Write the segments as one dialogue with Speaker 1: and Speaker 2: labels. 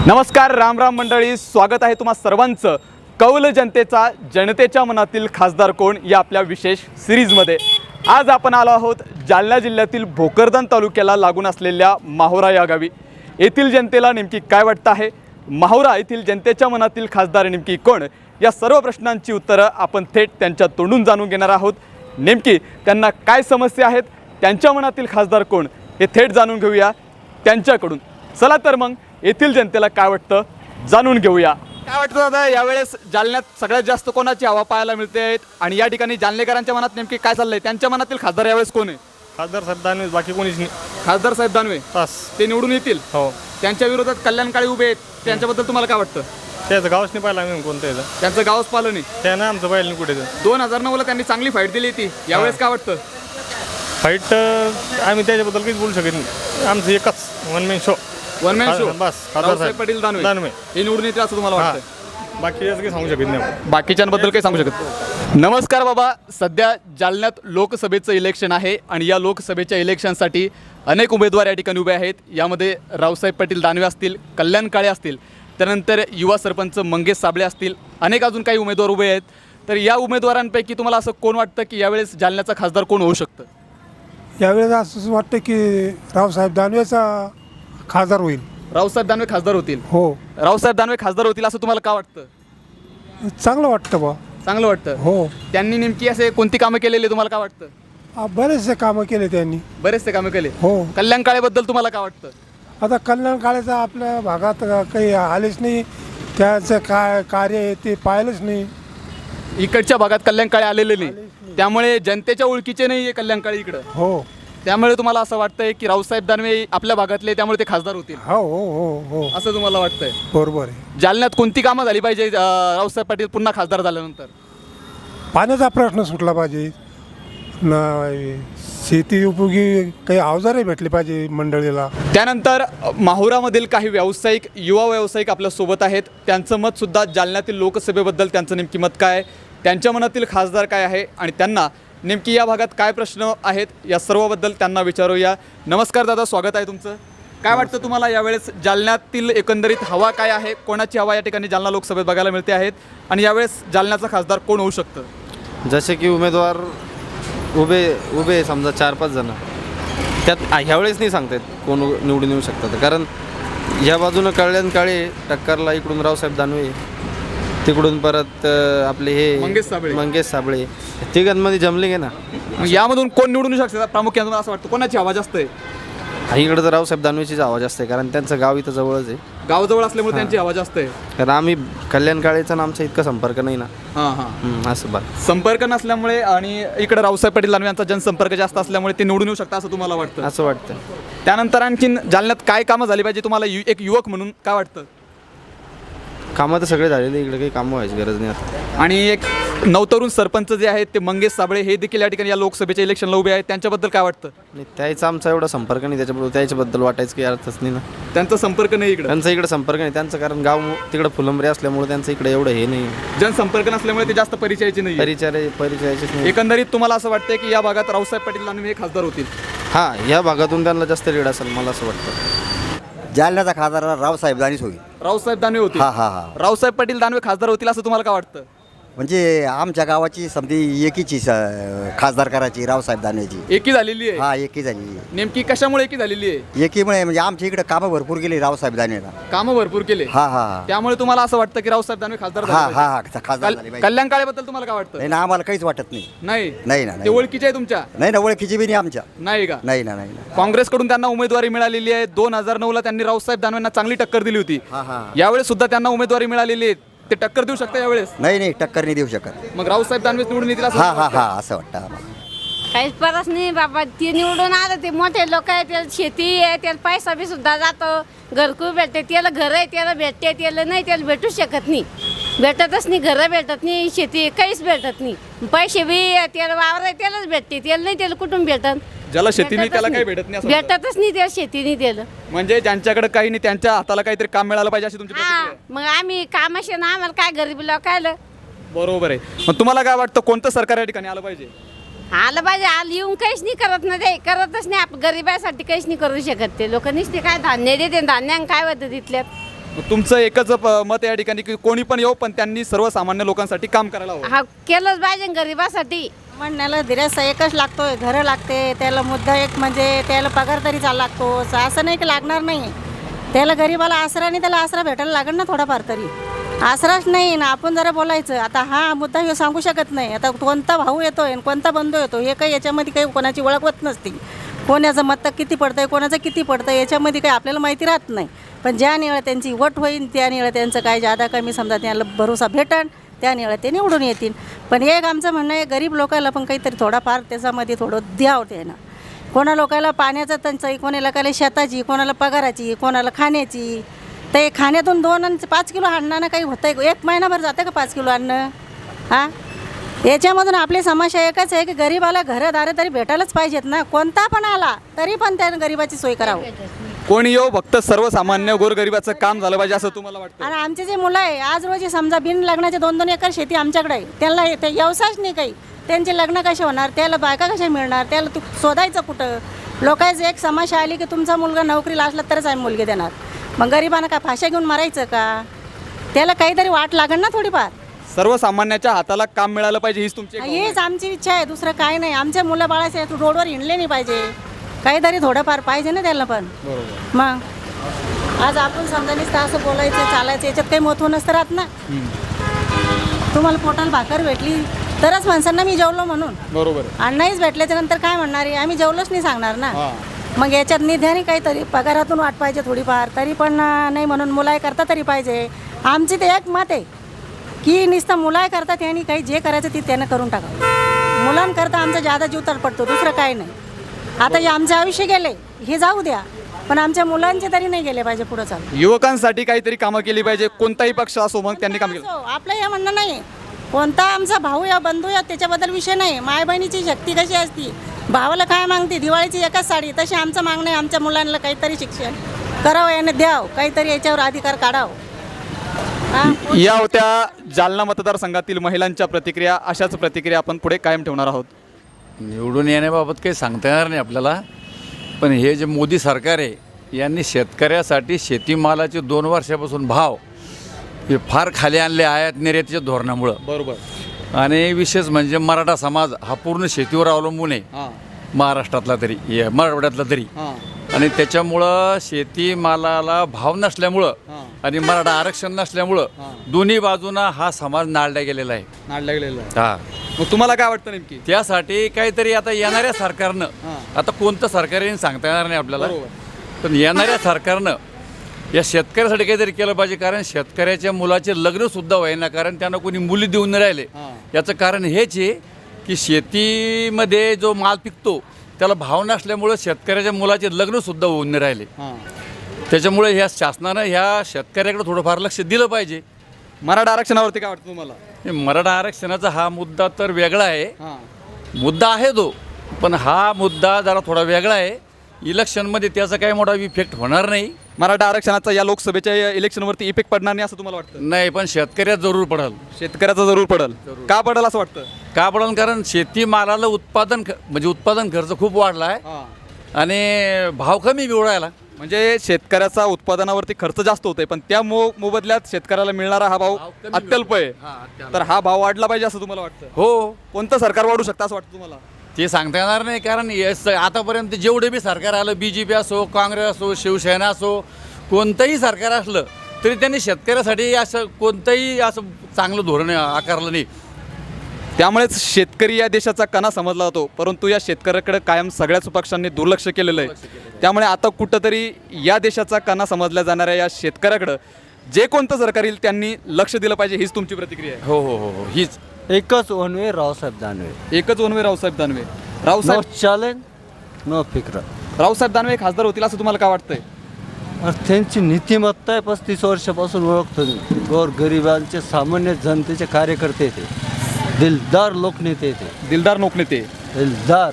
Speaker 1: नमस्कार, राम राम मंडळी, स्वागत आहे तुम्हा सर्वांचं कौल जनतेचा जनतेच्या मनातील खासदार कोण या आपल्या विशेष सिरीजमध्ये। आज आपण आलो आहोत जालना जिल्ह्यातील भोकरदन तालुक्याला लागून असलेल्या माहुरा या गावी। येथील जनतेला नेमकी काय वाटतं आहे, माहुरा येथील जनतेच्या मनातील खासदार नेमकी कोण, या सर्व प्रश्नांची उत्तरं आपण थेट त्यांच्या तोंडून जाणून घेणार आहोत। नेमकी त्यांना काय समस्या आहेत, त्यांच्या मनातील खासदार कोण हे थेट जाणून घेऊया त्यांच्याकडून। चला तर मग येथील जनतेला काय वाटतं जाणून घेऊया। काय वाटतं दादा, यावेळेस जालन्यात सगळ्यात जास्त कोणाची हवा पाहायला मिळते आहेत आणि या ठिकाणी जालनेकरांच्या मनात नेमकी काय चाललंय, त्यांच्या मनातील खासदार यावेळेस कोण आहे?
Speaker 2: खासदार साहेब दानवे, बाकी कोणीच नाही।
Speaker 1: खासदार साहेब दानवे
Speaker 2: बस
Speaker 1: ते निवडून येतील?
Speaker 2: हो।
Speaker 1: त्यांच्या विरोधात कल्याण काळे उभे आहेत, त्यांच्याबद्दल तुम्हाला काय वाटतं?
Speaker 2: त्याचं गावच नाही पाहिलं आम्ही कोणतं याचं,
Speaker 1: त्यांचं गावच पाहिलं नाही,
Speaker 2: त्यानं आमचं पाहिलं नाही कुठे।
Speaker 1: 2009 ला त्यांनी चांगली फाईट दिली होती, यावेळेस काय वाटतं?
Speaker 2: फाईट आम्ही त्याच्याबद्दल काहीच बोलू शकत नाही, आमचं एकच one man show.
Speaker 1: One man show
Speaker 2: बस, खासदार साहेब
Speaker 1: पाटील दानवे
Speaker 2: दानवे
Speaker 1: हे निवडून येतील असं तुम्हाला वाटतं?
Speaker 2: बाकी याचं काही सांगू शकत नाही आपण।
Speaker 1: बाकीच्यांबद्दल काही सांगू शकत? नमस्कार बाबा, सध्या जालन्यात लोकसभेचं इलेक्शन आहे आणि या लोकसभेच्या इलेक्शनसाठी अनेक उमेदवार या ठिकाणी उभे आहेत। यामध्ये रावसाहेब पाटील दानवे असतील, कल्याण काळे असतील, त्यानंतर युवा सरपंच मंगेश साबळे असतील, अनेक अजून काही उमेदवार उभे आहेत। तर या उमेदवारांपैकी तुम्हाला असं कोण वाटतं की यावेळेस जालन्याचा खासदार कोण होऊ शकतं?
Speaker 3: यावेळेस असं वाटतं की रावसाहेब दानवेचा खासदार होईल।
Speaker 1: रावसाहेब दानवे खासदार होतील?
Speaker 3: हो,
Speaker 1: रावसाहेब दानवे खासदार होतील असं तुम्हाला का वाटतं?
Speaker 3: चांगलं वाटतं बा।
Speaker 1: चांगलं वाटतं?
Speaker 3: हो,
Speaker 1: त्यांनी नेमकी असे कोणती कामं केलेली तुम्हाला काय वाटतं?
Speaker 3: बरेचसे कामं केले त्यांनी।
Speaker 1: बरेचसे कामं केले।
Speaker 3: हो,
Speaker 1: कल्याण काळेबद्दल तुम्हाला काय वाटतं?
Speaker 3: आता कल्याण काळेचं आपल्या भागात काही आलेच नाही, त्याचं काय कार्य आहे ते पाहिलंच नाही।
Speaker 1: इकडच्या भागात कल्याण काळे आलेले नाही, त्यामुळे जनतेच्या ओळखीचे नाही आहे कल्याण काळे इकडं,
Speaker 3: हो
Speaker 1: त्यामुळे तुम्हाला असं वाटतंय की रावसाहेब दानवे आपल्या भागातले, त्यामुळे ते खासदार होतील
Speaker 3: हो हो हो हो
Speaker 1: असं तुम्हाला वाटतंय?
Speaker 3: बरोबर आहे।
Speaker 1: जालन्यात कोणती कामं झाली पाहिजे रावसाहेब पाटील पुन्हा खासदार झाल्यानंतर?
Speaker 3: पाण्याचा प्रश्न सुटला पाहिजे, शेती उपयोगी काही अवजारे भेटले पाहिजे मंडळीला।
Speaker 1: त्यानंतर माहुरामधील काही व्यावसायिक, युवा व्यावसायिक आपल्यासोबत आहेत, त्यांचं मतसुद्धा जालन्यातील लोकसभेबद्दल त्यांचं नेमकी मत काय आहे, त्यांच्या मनातील खासदार काय आहे आणि त्यांना नेमकी या भागात काय प्रश्न आहेत, या सर्वबद्दल त्यांना विचारूया। नमस्कार दादा, स्वागत आहे तुमचं। काय वाटतं तुम्हाला यावेळेस जालन्यातील एकंदरीत हवा काय आहे, कोणाची हवा या ठिकाणी जालना लोकसभेत बघायला मिळते आहेत आणि यावेळेस जालन्याचा खासदार कोण होऊ शकतं?
Speaker 4: जसे की उमेदवार उभे समजा 4-5 जण, त्यात ह्यावेळेस नाही सांगतायत कोण निवडून येऊ शकतात, कारण ह्या बाजूनं कल्याण काळे टक्करला, इकडून रावसाहेब दानवे, तिकडून परत आपले हे मंगेश साबळे, तिघांमध्ये जमले गे ना।
Speaker 1: मग यामधून कोण निवडून येऊ शकतात प्रामुख्याने तुम्हाला असं वाटतं? कोणाची हवा जास्त आहे?
Speaker 4: इकडं तर रावसाहेब दानवेचीच आवाज जास्त आहे, कारण त्यांचं गाव इथं जवळच आहे,
Speaker 1: गावाजवळ असल्यामुळे त्यांची हवा जास्त आहे।
Speaker 4: कारण आम्ही कल्याण काळेचा आमचा इतका संपर्क नाही ना।
Speaker 1: हां
Speaker 4: असं बघ,
Speaker 1: संपर्क नसल्यामुळे आणि इकडे रावसाहेब पाटील दानवे यांचा जनसंपर्क जास्त असल्यामुळे ते निवडून येऊ शकतात असं तुम्हाला वाटतं?
Speaker 4: असं वाटतं।
Speaker 1: त्यानंतर आणखीन जालन्यात काय कामं झाली पाहिजे तुम्हाला एक युवक म्हणून काय वाटतं?
Speaker 4: कामं तर सगळे झालेले, इकडे काही कामं व्हायची गरज नाही आता।
Speaker 1: आणि एक नवतरुण सरपंच जे आहेत ते मंगेश साबळे, हे देखील या ठिकाणी या लोकसभेच्या इलेक्शनला उभे आहेत, त्यांच्याबद्दल काय वाटतं?
Speaker 4: नाही, त्याचा आमचा एवढा संपर्क नाही त्याच्याबद्दल वाटायचं काही अर्थच नाही ना।
Speaker 1: त्यांचा संपर्क नाही इकडे?
Speaker 4: त्यांचा इकडे संपर्क नाही त्यांचं, कारण गाव तिकडे फुलंबरी असल्यामुळे त्यांचं इकडे एवढं हे नाही,
Speaker 1: जनसंपर्क नसल्यामुळे ते जास्त परिचयाचे नाही।
Speaker 4: परिचयाचेच नाही।
Speaker 1: एकंदरीत तुम्हाला असं वाटतंय की या भागात रावसाहेब पाटील दानवे हे खासदार होतील?
Speaker 4: हां, या भागातून त्यांना जास्त लीड असेल मला असं वाटतं।
Speaker 5: जालन्याचा खासदार रावसाहेब दानवेच होईल।
Speaker 1: रावसाहेब दानवे होतील?
Speaker 5: हा हा हा,
Speaker 1: रावसाहेब पाटील दानवे खासदार होतील असं तुम्हाला काय वाटतं?
Speaker 5: म्हणजे आमच्या गावाची समधी एकीची खासदार करायची रावसाहेब दानवेची।
Speaker 1: एकी झालेली आहे?
Speaker 5: हा, एकी झाली।
Speaker 1: नेमकी कशामुळे एकी झालेली आहे?
Speaker 5: एकीमुळे म्हणजे आमच्या इकडे कामं भरपूर केली रावसाहेब दानवेला।
Speaker 1: कामं भरपूर केले?
Speaker 5: हा हा हा,
Speaker 1: त्यामुळे तुम्हाला असं वाटतं की रावसाहेब दानवे खासदार
Speaker 5: हा
Speaker 1: झाले
Speaker 5: हा
Speaker 1: पाहिजे?
Speaker 5: हा, खासदार झाले पाहिजे।
Speaker 1: कल्याण काळेबद्दल तुम्हाला काय वाटतं?
Speaker 5: नाही ना, आम्हाला काहीच वाटत नाही।
Speaker 1: नाही
Speaker 5: नाही ना,
Speaker 1: ते
Speaker 5: नाही
Speaker 1: ओळखीचे आहे तुमच्या?
Speaker 5: नाही ना, ओळखीची बी नाही आमच्या।
Speaker 1: नाही का?
Speaker 5: नाही ना, नाही ना।
Speaker 1: काँग्रेसकडून त्यांना उमेदवारी मिळालेली आहे। 2009 ला त्यांनी रावसाहेब दानवेंना चांगली टक्कर दिली होती,
Speaker 5: हा हा,
Speaker 1: यावेळेस सुद्धा त्यांना उमेदवारी मिळालेली आहे, ते टक्कर देऊ शकता यावेळेस?
Speaker 5: नाही नाही, टक्कर नाही देऊ शकत।
Speaker 1: मग रावसाहेब दानवे निवडून येतील असं
Speaker 5: हा हा
Speaker 1: वाटतं?
Speaker 5: हा, असं वाटतं आम्हाला।
Speaker 6: काहीच परस नाही बाबा, ते निवडून आलं, ते मोठे लोक आहे, त्याला शेती आहे, त्याला पैसा बी सुद्धा जातो, घरकुल भेटते, त्याला घर आहे त्याला भेटते, त्याला नाही त्याला भेटू शकत नाही, भेटतच नाही, घरं भेटत नाही, शेती काहीच भेटत नाही, पैसे बी त्याला वावर आहे त्यालाच भेटते, त्याला नाही, त्याला कुठून भेटत?
Speaker 1: ज्याला शेती नाही त्याला काही भेटत नाही असं वाटतं?
Speaker 6: भेटतच नाही त्याला, शेती नाही त्याला।
Speaker 1: म्हणजे ज्यांच्याकडे काही नाही त्यांच्या हाताला काहीतरी काम मिळालं पाहिजे अशी तुमची
Speaker 6: हा,
Speaker 1: प्रतिक्रिया आहे?
Speaker 6: मग आम्ही कामाशी ना, आम्हाला काय गरीब लोकायला
Speaker 1: बरोबर आहे। मग तुम्हाला काय वाटतं कोणतं सरकार या ठिकाणी आलं पाहिजे?
Speaker 6: आलं पाहिजे, आलं येऊन काहीच नाही करत ना, ते करतच नाही, आपण गरिबासाठी काहीच नाही करू शकत ते लोक, नुसते काय धान्य देते, धान्यानं काय होतं तिथल्यात?
Speaker 1: मग तुमचं एकच मत या ठिकाणी की कोणी पण येऊ पण त्यांनी सर्वसामान्य लोकांसाठी काम करायला हवं.
Speaker 6: हा केलंच पाहिजे गरिबासाठी.
Speaker 7: म्हणण्याला दिरासा एकच लागतोय, घरं लागते त्याला. मुद्दा एक म्हणजे त्याला पगार तरी चालू लागतो. असं नाही की लागणार नाही, त्याला गरीबाला आसरा नाही, त्याला आसरा भेटायला लागेल ना थोडाफार तरी. आसराच नाही ना, आपण जरा बोलायचं. आता हा मुद्दा हे सांगू शकत नाही. आता कोणता भाऊ येतोय आणि कोणता बंधू येतो हे काही याच्यामध्ये काही कोणाची ओळख होत नसते. कोणाचं मत किती पडतंय, कोणाचं किती पडतं याच्यामध्ये काही आपल्याला माहिती राहत नाही. पण ज्या निळं त्यांची वट होईल त्या निळं त्यांचं काय जादा कमी समजा त्यांना भरोसा भेटन त्या निळं ते निवडून येतील. पण एक आमचं म्हणणं आहे, गरीब लोकांना पण काहीतरी थोडाफार त्याच्यामध्ये थोडं द्यावं त्यानं. कोणा लोकांना पाण्याचं टंचाई, कोणा लोकांना शेताची, कोणाला पगाराची, कोणाला खाण्याची. तर हे खाण्यातून 2 आणि 5 किलो आणणं काही होतं आहे? 1 महिनाभर जातं का 5 किलो आणणं? हां, याच्यामधून आपली समस्या एकच आहे की गरीबाला घरदारं तरी भेटायलाच पाहिजेत ना. कोणता पण आला तरी पण त्यानं गरीबाची सोय करावं.
Speaker 1: कोणी येऊ फक्त सर्वसामान्य गोरगरिबाचं काम झालं पाहिजे असं तुम्हाला वाटतं?
Speaker 7: आणि आमचे जे मुलं आहे आज रोजी समजा बिन लग्नाचे 2-2 एकर शेती आमच्याकडे आहे. त्यांना ते व्यवसायच नाही काही. त्यांचे लग्न कसे होणार, त्याला बायका कशा मिळणार, त्याला तू शोधायचं कुठं? लोकांची एक समस्या आली की तुमचा मुलगा नोकरीला असला तरच आम्ही मुलगी देणार. मग गरिबांना काय फाशा घेऊन मारायचं का? त्याला काहीतरी वाट लागेल ना थोडीफार.
Speaker 1: सर्वसामान्याच्या हाताला काम मिळालं पाहिजे हीच तुमची एक भावना आहे.
Speaker 7: हीच आमची इच्छा आहे, दुसरं काय नाही. आमच्या मुलं बाळाचे रोडवर हिंडले नाही पाहिजे, काहीतरी थोडंफार पाहिजे ना त्याला पण. मग आज आपण समजा नुसतं असं बोलायचं चालायचं याच्यात काही महत्त्व नसतं राहत ना. तुम्हाला पोटाला भाकर भेटली तरच माणसांना मी जेवलो म्हणून.
Speaker 1: बरोबर.
Speaker 7: आणि नाहीच भेटल्याच्या नंतर काय म्हणणार आहे, आम्ही जेवलोच नाही सांगणार ना. मग याच्यात निध्याने काहीतरी पगारातून वाट पाहिजे थोडीफार तरी पण नाही म्हणून मुलाय करता तरी पाहिजे. आमची ते एक मत आहे की नुसतं मुलाय करता त्यांनी काही जे करायचं ते त्यानं करून टाकावं. मुलांकरता आमचा जादा जीव तर पडतो, दुसरं काय नाही. आता हे आमचे आयुष्य गेले हे जाऊ द्या, पण आमच्या मुलांचे तरी नाही गेले पाहिजे पुढं चालू.
Speaker 1: युवकांसाठी काहीतरी कामं केली पाहिजे, कोणताही पक्ष असो मग त्यांनी काम केलं.
Speaker 7: आपलं हे म्हणणं नाही कोणता आमचा भाऊ या बंधू या त्याच्याबद्दल विषय नाही. माय बहिणीची शक्ती कशी असती, भावाला काय मागते, दिवाळीची एकच साडी, तशी आमचं मागणं आहे आमच्या मुलांना काहीतरी शिक्षण करावं, याने द्यावं, काहीतरी याच्यावर अधिकार काढावं.
Speaker 1: या होत्या जालना मतदारसंघातील महिलांच्या प्रतिक्रिया. अशाच प्रतिक्रिया आपण पुढे कायम ठेवणार आहोत.
Speaker 8: निवडून येण्याबाबत काही सांगता येणार नाही आपल्याला, पण हे जे मोदी सरकार आहे यांनी शेतकऱ्यासाठी शेतीमालाचे 2 वर्षापासून भाव हे फार खाली आणले आयात निर्यातीच्या धोरणामुळं.
Speaker 1: बरोबर.
Speaker 8: आणि विशेष म्हणजे मराठा समाज हा पूर्ण शेतीवर अवलंबून आहे, महाराष्ट्रातला तरी मराठवाड्यातला तरी. आणि त्याच्यामुळं शेतीमालाला भाव नसल्यामुळं आणि मराठा आरक्षण नसल्यामुळं दोन्ही बाजूंना हा समाज नाळला गेलेला आहे. हा,
Speaker 1: मग तुम्हाला काय वाटतं नेमकी?
Speaker 8: त्यासाठी काहीतरी आता येणाऱ्या सरकारनं, आता कोणतं सरकार येईल सांगता येणार नाही आपल्याला, पण येणाऱ्या सरकारनं या शेतकऱ्यासाठी काहीतरी केलं पाहिजे. कारण शेतकऱ्याच्या मुलाचे लग्नसुद्धा होईना, कारण त्यांना कोणी मुली देऊन नाही राहिले. याचं कारण हेच आहे की शेतीमध्ये जो माल पिकतो त्याला भाव नसल्यामुळं शेतकऱ्याच्या मुलाचे लग्नसुद्धा होऊन नाही राहिले. त्याच्यामुळे ह्या शासनानं ह्या शेतकऱ्याकडे थोडंफार लक्ष दिलं पाहिजे.
Speaker 1: मराठा आरक्षणावरती काय वाटतं तुम्हाला?
Speaker 8: मराठा आरक्षणाचा हा मुद्दा तर वेगळा आहे, मुद्दा आहे तो, पण हा मुद्दा जरा थोडा वेगळा आहे. इलेक्शनमध्ये त्याचा काही मोठा इफेक्ट होणार नाही.
Speaker 1: मराठा आरक्षणाचा या लोकसभेच्या इलेक्शनवरती इफेक्ट पडणार नाही असं तुम्हाला वाटतं?
Speaker 8: नाही, पण शेतकऱ्यात जरूर पडेल.
Speaker 1: शेतकऱ्याचा जरूर पडेल. का पडेल असं वाटतं?
Speaker 8: का पडेल? कारण शेतीमालाला उत्पादन खर्च खूप वाढला आहे आणि भाव कमी मिळायला.
Speaker 1: म्हणजे शेतकऱ्याचा उत्पादनावरती खर्च जास्त होतोय, पण त्या मोबदल्यात शेतकऱ्याला मिळणारा हा भाव अत्यल्प आहे. तर हा भाव वाढला पाहिजे असं तुम्हाला वाटतं?
Speaker 8: हो.
Speaker 1: कोणतं सरकार वाढू शकतं असं वाटतं तुम्हाला?
Speaker 8: ते सांगता येणार नाही, कारण आतापर्यंत जेवढे बी सरकार आलं, BJP असो, काँग्रेस असो, शिवसेना असो, कोणतंही सरकार असलं तरी त्यांनी शेतकऱ्यासाठी असं कोणतंही असं चांगलं धोरण आकारलं नाही.
Speaker 1: त्यामुळेच शेतकरी या देशाचा कणा समजला जातो, परंतु या शेतकऱ्याकडे कायम सगळ्याच पक्षांनी दुर्लक्ष केलेलं आहे. त्यामुळे आता कुठंतरी या देशाचा कणा समजल्या जाणाऱ्या या शेतकऱ्याकडं जे कोणतं सरकार येईल त्यांनी लक्ष दिलं पाहिजे, हीच तुमची प्रतिक्रिया आहे?
Speaker 8: हो हो हो हो, हीच.
Speaker 9: एकच वनवे रावसाहेब दानवे.
Speaker 1: एकच one way Raosaheb Danve.
Speaker 9: No
Speaker 1: Raosaheb
Speaker 9: challenge no फिक्र.
Speaker 1: रावसाहेब दानवे खासदार होतील असं तुम्हाला काय वाटतंय?
Speaker 9: त्यांची नीतिमत्ता आहे 35 वर्षापासून ओळखतो मी. गरिबांचे सामान्य जनतेचे कार्यकर्ते ते, दिलदार लोकनेते ते.
Speaker 1: दिलदार लोकनेते.
Speaker 9: दिलदार.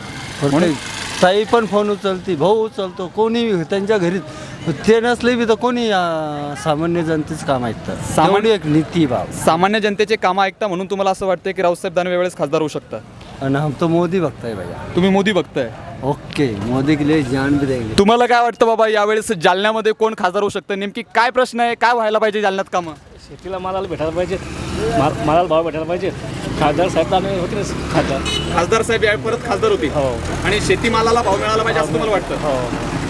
Speaker 9: ताई पण फोन उचलती, भाऊ उचलतो, कोणी त्यांच्या घरी ते नसले बी तर कोणी सामान्य जनतेचं काम ऐकतं. सामान्य एक नीती भाव.
Speaker 1: सामान्य जनतेचे कामं ऐकता म्हणून तुम्हाला असं वाटतं की रावसाहेब दानवे वेळेस खासदार होऊ शकतात?
Speaker 9: आणि हम तो मोदी भक्त है भैया.
Speaker 1: तुम्ही मोदी बघताय.
Speaker 9: ओके, मोदी के लिए जान भी देंगे.
Speaker 1: तुम्हाला काय वाटतं बाबा यावेळेस जालन्यामध्ये कोण खासदार होऊ शकतं? नेमकी काय प्रश्न आहे, काय व्हायला पाहिजे जालन्यात कामं?
Speaker 2: शेतीला मालाला भेटायला पाहिजे, मालाला भाव भेटायला पाहिजे. खासदार साहेब होते खासदार.
Speaker 1: खासदार साहेब या परत खासदार होते
Speaker 2: हो
Speaker 1: आणि शेतीमालाला भाव मिळाला पाहिजे असं तुम्हाला वाटतं?
Speaker 2: हो